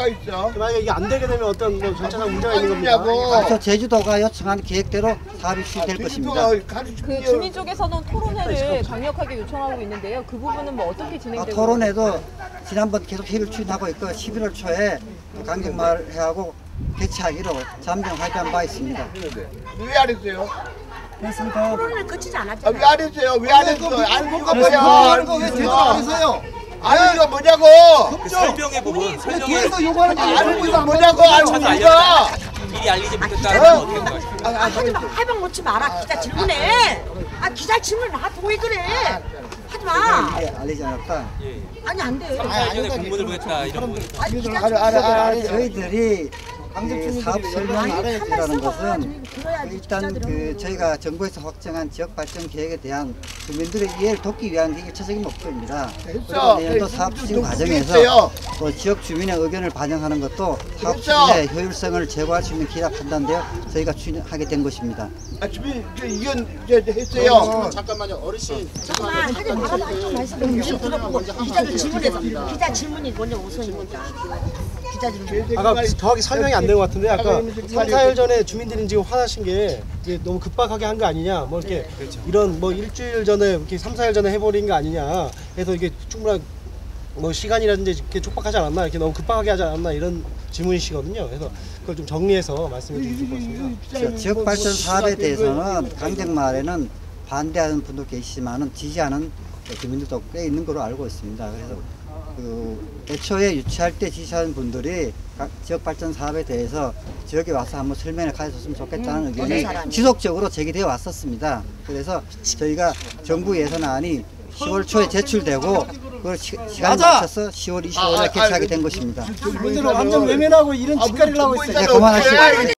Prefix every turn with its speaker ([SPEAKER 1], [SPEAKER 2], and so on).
[SPEAKER 1] 있어?
[SPEAKER 2] 만약에 이게 안 되게 되면 어떤 뭐 절차상 문제가 있는 겁니까?
[SPEAKER 3] 그래서 제주도가 요청한 계획대로 사업이 실시될 것입니다.
[SPEAKER 4] 그 주민 쪽에서는 토론회를 강력하게 요청하고 있는데요. 그 부분은 뭐 어떻게 진행되고
[SPEAKER 3] 토론회도 지난번 계속 협의를 추진하고 있고 11월 초에 강정마을회하고 개최하기로 잠정 합의한 바 있습니다.
[SPEAKER 1] 왜 안 했어요?
[SPEAKER 5] 됐습니까?
[SPEAKER 6] 토론을 거치지
[SPEAKER 1] 왜
[SPEAKER 6] 않았잖아요.
[SPEAKER 1] 안 했어요? 왜 안 했어? 알고가 뭐야?
[SPEAKER 5] 하는 거왜 제대로 안 해서요?
[SPEAKER 1] 알고가 뭐냐고?
[SPEAKER 7] 설명해 보면
[SPEAKER 5] 뒤에서 요구하는 거
[SPEAKER 1] 알고가 뭐냐고? 알고가
[SPEAKER 7] 미리 알리지 못했다는 건 어떻게 생각하십니까?
[SPEAKER 6] 하지 마. 해방 놓지 마라. 기자 질문해. 기자 질문 왜 그래? 하지 마.
[SPEAKER 3] 알리지 않았다.
[SPEAKER 6] 아니 안 돼.
[SPEAKER 7] 전에 공문을 보냈다 이런 거.
[SPEAKER 6] 아니 기자
[SPEAKER 3] 저희들이 이 사업 설명이라는 것은 일단 그 저희가 정부에서 확정한 지역 발전 계획에 대한 주민들의 이해를 돕기 위한 게 일차적인 목표입니다. 그리고 내년도 사업 추진 과정에서 또 지역 주민의 의견을 반영하는 것도 사업 추진의 효율성을 제고할 수 있는 기라 판단되어 저희가 추진하게 된 것입니다.
[SPEAKER 1] 주민 의견 했어요.
[SPEAKER 5] 잠깐만요, 어르신.
[SPEAKER 6] 잠깐만 하지 말아봐. 좀 말씀 좀 들어보고 기자들 질문해서 기자 질문이 먼저 우선입니다. 기자 질문.
[SPEAKER 2] 아까 정확히 설명이 안 된 것 같은데 아까 3, 4일 전에 주민들이 지금 화나신 게 이게 너무 급박하게 한 거 아니냐 뭐 이렇게 이런 뭐 일주일 전에 이렇게 3, 4일 전에 해버린 거 아니냐 해서 이게 충분한 뭐 시간이라든지 이렇게 촉박하지 않았나 이렇게 너무 급하게 하지 않았나 이런 질문이시거든요. 그래서 그걸 좀 정리해서 말씀해 주실 것 같습니다.
[SPEAKER 3] 지역 발전 사업에 대해서는 강정마을에는 반대하는 분도 계시지만은 지지하는 주민들도 꽤 있는 걸로 알고 있습니다. 그래서 애초에 유치할 때 지시하는 분들이 지역 발전 사업에 대해서 지역에 와서 한번 설명을 가졌으면 좋겠다는 의견이 지속적으로 제기되어 왔었습니다. 그래서 저희가 정부 예산안이 10월 초에 제출되고 그걸 시간 맞춰서 10월 25일에 개최하게 된 것입니다.
[SPEAKER 5] 분들은 완전 외면하고 이런 짓거리를 하고 있어요.
[SPEAKER 3] 그만하시고.